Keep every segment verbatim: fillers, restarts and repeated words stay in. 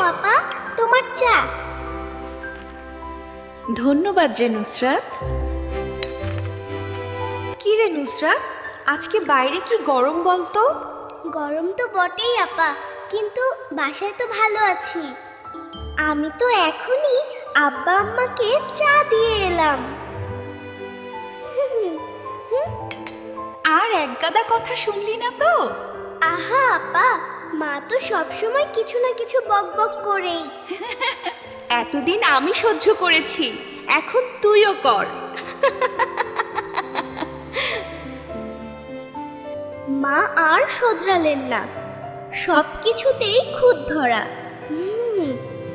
আপা, তোমার চা। ধন্যবাদ রে নুসরাত। কি রে নুসরাত, আজকে বাইরে কি গরম বলতো? গরম তো বটেই আপা, কিন্তু বাসায় তো ভালো আছি। আমি তো এখনই আব্বা আম্মাকে চা দিয়ে এলাম। আর এক গাদা কথা শুনলি না তো? আহা আপা, মা তো সবসময় কিছু না কিছু বকবক করেই। এতদিন আমি সহ্য করেছি, এখন তুইও কর। মা আর শোধরালেন না, সব কিছুতেই খুঁত ধরা। হুম,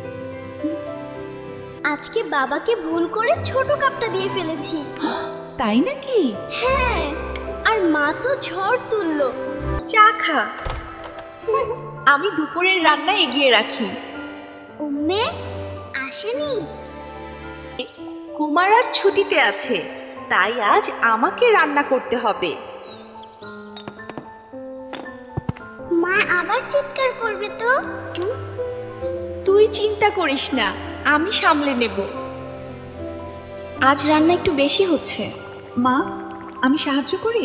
আজকে বাবাকে ভুল করে ছোট কাপটা দিয়ে ফেলেছি। তাই নাকি? হ্যাঁ, আর মা তো ঝড় তুললো। চা খা, আমি দুপুরের রান্না এগিয়ে রাখি। উম্মে আসেনি? কুমার আজ ছুটিতে আছে, তাই আজ আমাকে রান্না করতে হবে। মা আবার চিৎকার করবে তো। তুই চিন্তা করিস না, আমি সামলে নেব। আজ রান্না একটু বেশি হচ্ছে। মা, আমি সাহায্য করি?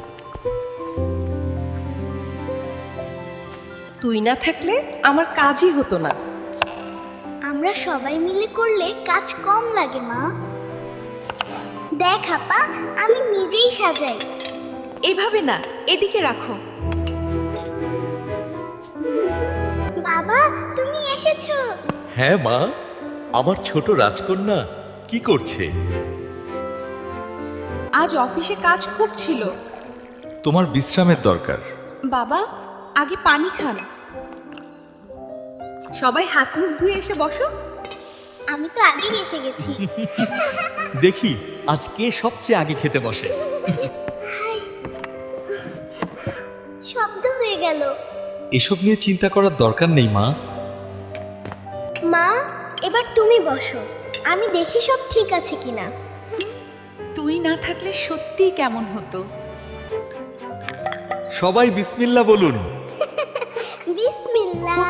তুই না থাকলে আমার কাজই হতো না। আমরা সবাই মিলে করলে কাজ কম লাগে মা। দেখ আপা, আমি নিজেই সাজাই। এভাবে না, এদিকে রাখো। বাবা, তুমি এসেছো? হ্যাঁ মা, আমার ছোট রাজকন্যা কি করছে? আজ অফিসে কাজ খুব ছিল। তোমার বিশ্রামের দরকার। বাবা, আগে পানি খান। সবাই হাত মুখ ধুয়ে এসে বসো। আমি তো আগেই এসে গেছি। দেখি আজ কে সবচেয়ে আগে খেতে বসে। শব্দ হয়ে গেল। এসব নিয়ে চিন্তা করার দরকার নেই মা। মা, এবার তুমি বসো, আমি দেখি সব ঠিক আছে কিনা। তুই না থাকলে সত্যিই কেমন হতো। সবাই বিসমিল্লাহ বলুন। বিসমিল্লাহ।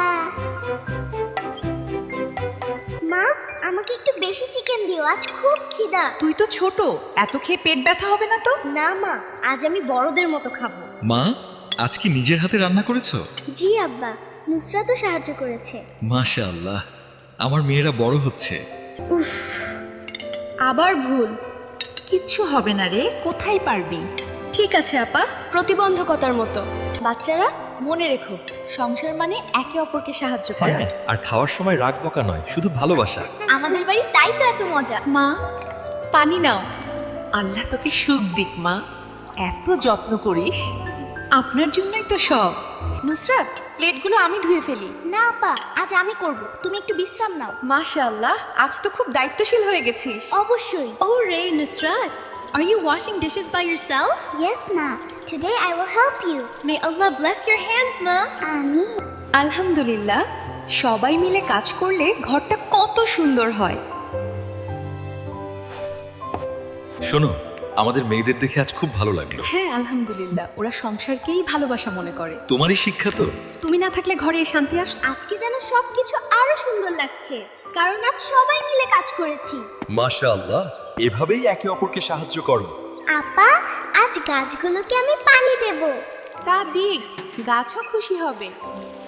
মা, আমাকে একটু বেশি চিকেন দিও, আজ খুব খিদা। তুই তো ছোট, এত খেয়ে পেট ব্যথা হবে না তো? না মা, আজ আমি বড়দের মতো খাবো। মা, আজ কি নিজের হাতে রান্না করেছো? জি আব্বা, নুসরাতও সাহায্য করেছে। মাশাআল্লাহ, আমার মেয়েরা বড় হচ্ছে। উফ, আবার ভুল। কিচ্ছু হবে না রে, কোথায় পারবি। ঠিক আছে আপা, প্রতিবন্ধকতার মতো। বাচ্চারা মনে রেখো, সংসার মানে একে অপরকে সাহায্য করা। আর খাওয়ার সময় রাগ বকা নয়, শুধু ভালোবাসা। আমাদের বাড়ি তাই তো এত মজা। মা, পানি নাও। আল্লাহ তোকে সুখ দিক মা, এত যত্ন করিস। আপনার জন্যই তো সব। নুসরাত, প্লেটগুলো আমি ধুয়ে ফেলি। না আপা, আজ আমি করব, তুমি একটু বিশ্রাম নাও। মাশাআল্লাহ, আজ তো খুব দায়িত্বশীল হয়ে গেছিস। অবশ্যই। Oh Ray, Nusrat, are you washing dishes by yourself? Yes ma, today I will help you. May Allah bless your hands, ma. আমিন। আলহামদুলিল্লাহ, সবাই মিলে কাজ করলে ঘরটা কত সুন্দর হয়। শোনো, আমাদের মেয়েদের দেখে আজ খুব ভালো লাগলো। হ্যাঁ আলহামদুলিল্লাহ, ওরা সংসারকেই ভালোবাসা মনে করে। তোমারই শিক্ষা তো। তুমি না থাকলে ঘরে এই শান্তি আস। আজকে যেন সবকিছু আরো সুন্দর লাগছে, কারণ আজ সবাই মিলে কাজ করেছি। মাশাআল্লাহ, এভাবেই একে অপরকে সাহায্য করো। আপা, আজ গাছগুলোকে আমি পানি দেব। তা দিক, গাছও খুশি হবে।